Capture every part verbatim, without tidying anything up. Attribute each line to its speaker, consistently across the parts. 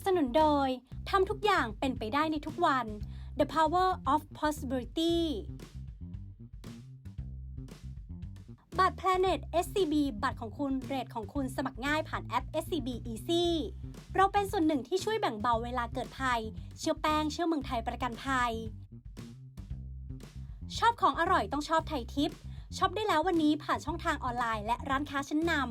Speaker 1: สนุนโดยทำทุกอย่างเป็นไปได้ในทุกวัน The Power of Possibility บัตร Planet เอส ซี บี บัตรของคุณเรทของคุณสมัครง่ายผ่านแอป เอส ซี บี Easy เราเป็นส่วนหนึ่งที่ช่วยแบ่งเบาเวลาเกิดภัยเชื่อแป้งเชื่อเมืองไทยประกันภัยชอบของอร่อยต้องชอบไทยทิปช็อปได้แล้ววันนี้ผ่านช่องทางออนไลน์และร้านค้าชั้นนำ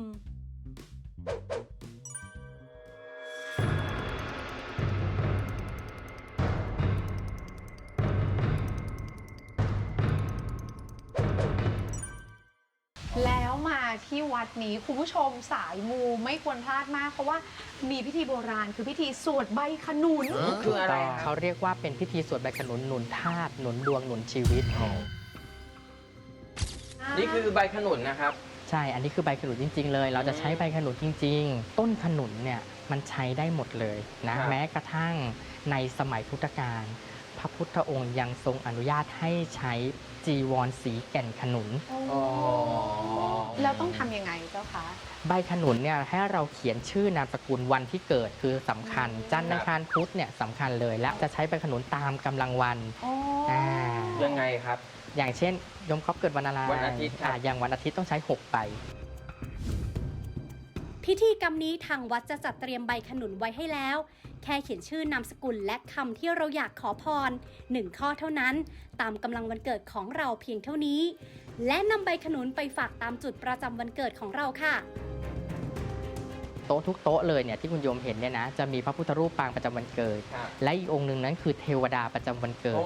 Speaker 2: แล้วมาที่วัดนี้คุณผู้ชมสายมูไม่ควรพลาดมากเพราะว่ามีพิธีโบราณคือพิธีสวดใบขนุน
Speaker 3: คืออะไร
Speaker 4: เขาเรียกว่าเป็นพิธีสวดใบขนุนหนุนธาตุหนุนดวงหนุนชีวิต
Speaker 3: นี่คือใบขนุนนะครับ
Speaker 4: ใช่อันนี้คือใบขนุนจริงๆเลยเราจะใช้ใบขนุนจริงๆต้นขนุนเนี่ยมันใช้ได้หมดเลยนะแม้กระทั่งในสมัยพุทธกาลพระพุทธองค์ยังทรงอนุญาตให้ใช้จีวรสีแก่นขนุน
Speaker 2: แล้วต้องทำยังไงเจ้าคะ
Speaker 4: ใบขนุนเนี่ยให้เราเขียนชื่อนามสกุลวันที่เกิดคือสำคัญจันทร์อังคารพุธเนี่ยสำคัญเลยและจะใช้ใบขนุนตามกำลังวัน
Speaker 3: ยังไงครับ
Speaker 4: อย่างเช่นยมครอบเกิดวันอะไร
Speaker 3: วันอาทิตย์
Speaker 4: อย่างวันอาทิตย์ต้องใช้หกใบ
Speaker 1: พิธีกรรมนี้ทางวัดจะจัดเตรียมใบขนุนไว้ให้แล้วแค่เขียนชื่อนามสกุลและคำที่เราอยากขอพรหนึ่งข้อเท่านั้นตามกำลังวันเกิดของเราเพียงเท่านี้และนำใบขนุนไปฝากตามจุดประจำวันเกิดของเราค่ะ
Speaker 4: โต๊ะทุกโต๊ะเลยเนี่ยที่คุณโยมเห็นเนี่ยนะจะมีพระพุทธรูปปางประจำวันเกิดและอีกองค์หนึ่งนั้นคือเทวดาประจำวันเกิด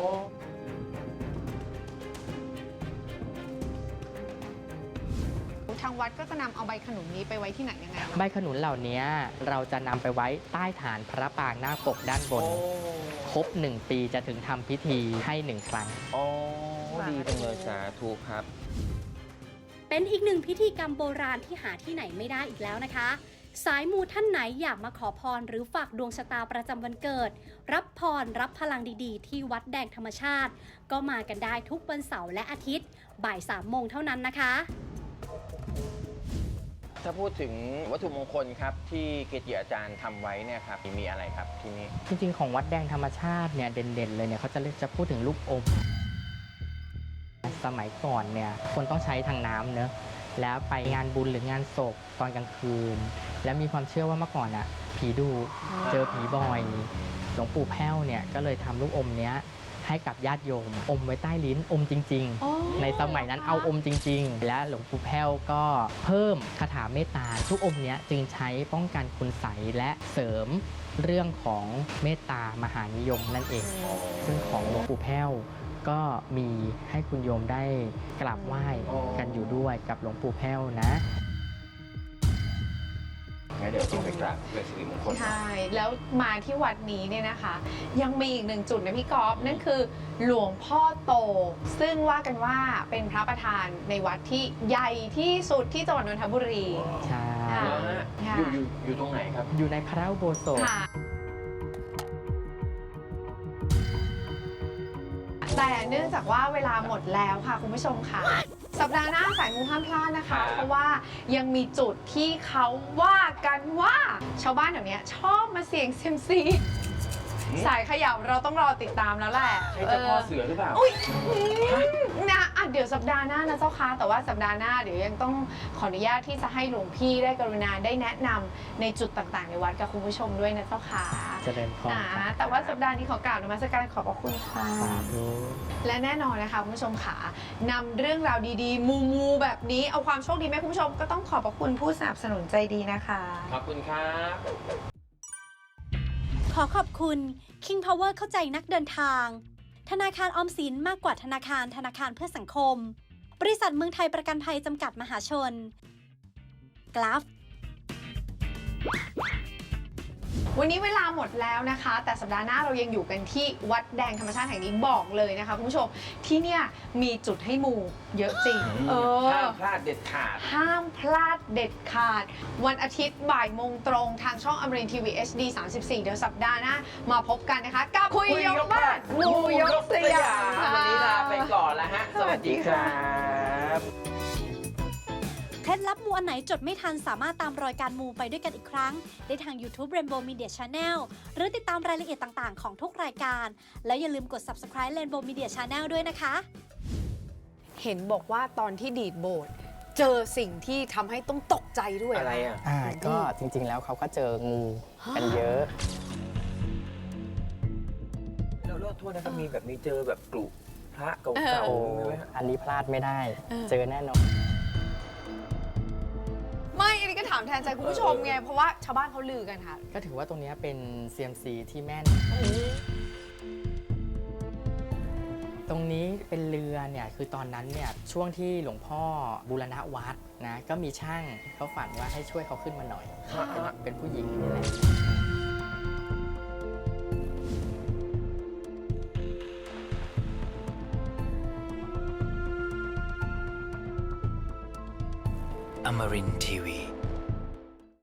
Speaker 2: ทางวัดก็จะนำเอาใบขนุนนี้ไปไว้ที่ไหนยังไง
Speaker 4: ใบขนุนเหล่านี้เราจะนำไปไว้ใต้ฐานพระปางหน้าปกด้านบนครบหนึ่งปีจะถึงทำพิธีให้หนึ่งครั้ง
Speaker 3: โอ้ดีจังเลยสาธุครับ
Speaker 1: เป็นอีกหนึ่งพิธีกรรมโบราณที่หาที่ไหนไม่ได้อีกแล้วนะคะสายมูท่านไหนอยากมาขอพรหรือฝากดวงชะตาประจำวันเกิดรับพรรับพลังดีๆที่วัดแดงธรรมชาติก็มากันได้ทุกวันเสาร์และอาทิตย์บ่ายสามโมงเท่านั้นนะคะ
Speaker 3: ถ้าพูดถึงวัตถุมงคลครับที่เกจิอาจารย์ทำไว้เนี่ยครับมีอะไรครับที่นี่
Speaker 4: จริงๆของวัดแดงธรรมชาติเนี่ยเด่นๆเลยเนี่ยเขาจะเรียกจะพูดถึงลูกอมสมัยก่อนเนี่ยคนต้องใช้ทางน้ำเนอะแล้วไปงานบุญหรืองานศพตอนกลางคืนแล้วมีความเชื่อว่าเมื่อก่อนอ่ะผีดุเจอผีบ่อยหลวงปู่แพ้วเนี่ยก็เลยทำลูกอมเนี้ยให้กับญาติโยมอมไว้ใต้ลิ้นอมจริงๆในสมัยนั้นเอาอมจริงๆและหลวงปู่แพ้วก็เพิ่มคาถาเมตตาทุกอมเนี้ยจึงใช้ป้องกันคุณไสยและเสริมเรื่องของเมตตามหานิยมนั่นเองซึ่งของหลวงปู่แพ้วก็มีให้คุณโยมได้กราบไหว้กันอยู่ด้วยกับหลวงปู่แพ้วนะ
Speaker 3: งั้นเดี๋ยวต้องไปกราบเป็นสิริมงคล
Speaker 2: ใช่แล้วมาที่วัดนี้เนี่ยนะคะยังมีอีกหนึ่งจุดนะพี่ก๊อฟนั่นคือหลวงพ่อโตซึ่งว่ากันว่าเป็นพระประธานในวัดที่ใหญ่ที่สุดที่จังหวัดนนทบุรี
Speaker 4: ใช่
Speaker 3: อยู่อยู่อยู่ตรงไหนครับ
Speaker 4: อยู่ในพระอุโบสถ
Speaker 2: แต่เนื่องจากว่าเวลาหมดแล้วค่ะคุณผู้ชมค่ะสัปดาห์หน้าสายมูห้ามพลาดนะคะเพราะว่ายังมีจุดที่เขาว่ากันว่าชาวบ้านแถวนี้ชอบมาเสี่ยงเซียมซีสายขยับเราต้องรอติดตามแล้วแหละ
Speaker 3: ใช่เจ้าพ่อเสือหรือเปล่า
Speaker 2: อุ้ยนะอ่ะเดี๋ยวสัปดาห์หน้านะเจ้าค่ะแต่ว่าสัปดาห์หน้าเดี๋ยวยังต้องขออนุญาตที่จะให้หลวงพี่ได้กรุณาได้แนะนำในจุดต่างๆในวัดกับคุณผู้ชมด้วยนะเจ้าค่ะ
Speaker 4: เจริญพร
Speaker 2: แต่ว่าสัปดาห์นี้ขอกล่าวนมัสการขอบพระคุณค่ะและแน่นอนนะคะคุณผู้ชมค่ะนำเรื่องราวดีๆมูมูแบบนี้เอาความโชคดีไหมคุณผู้ชมก็ต้องขอบพระคุณผู้สนับสนุนใจดีนะคะ
Speaker 3: ขอบคุณครับ
Speaker 1: ขอขอบคุณ King Power เข้าใจนักเดินทางธนาคารออมสินมากกว่าธนาคารธนาคารเพื่อสังคมบริษัทเมืองไทยประกันภัยจำกัดมหาชนกราฟ
Speaker 2: วันนี้เวลาหมดแล้วนะคะแต่สัปดาห์หน้าเรายังอยู่กันที่วัดแดงธรรมชาติแห่งนี้บอกเลยนะคะคุณผู้ชมที่เนี่ยมีจุดให้มูเยอะจริง
Speaker 3: เออห้ามพลาดเด็ดขาด
Speaker 2: ห้ามพลาดเด็ดขาดวันอาทิตย์บ่ายโมงตรงทางช่องอมรินทร์ทีวี เอช ดี สามสิบสี่ เดี๋ยวสัปดาห์หน้ามาพบกันนะคะกับคุยยกบ้านมูยกสยาม
Speaker 3: วันนี้ลาไปก่อนแล้วฮะสวัสดีครับ
Speaker 1: เคล็ดลับมูอันไหนจดไม่ทันสามารถตามรอยการมูไปด้วยกันอีกครั้งได้ทาง YouTube Rainbow Media Channel หรือติดตามรายละเอียดต่างๆของทุกรายการ แล้วอย่าลืมกด Subscribe Rainbow Media Channel ด้วยนะคะ
Speaker 2: เห็นบอกว่าตอนที่ดีดโบสถ์เจอสิ่งที่ทำให้ต้องตกใจด้วย
Speaker 3: อะไรอ่ะ
Speaker 4: อ่าก็จริงๆแล้วเขาก็เจองูกันเยอะ
Speaker 3: แล้วโทษนะครับมีแบบมีเจอแบบกลุพระเก่าๆใช่ไหมฮะ
Speaker 4: อันนี้พลาดไม่ได้
Speaker 2: เออ
Speaker 4: เจอแน่นอน
Speaker 2: ไม่อันนี้ก็ถามแทนใจคุณผู้ชมไง เพราะว่าชาวบ้านเขาลือกันค่ะ
Speaker 4: ก็ถือว่าตรงเนี้ยเป็น ซี เอ็ม ซี ที่แม่น ตรงนี้เป็นเรือเนี่ยคือตอนนั้นเนี่ยช่วงที่หลวงพ่อบูรณะวัดนะก็มีช่างเขาฝันว่าให้ช่วยเขาขึ้นมาหน่อย เป็นเป็นผู้หญิงนี่แหละ
Speaker 5: Amarin Tiwi.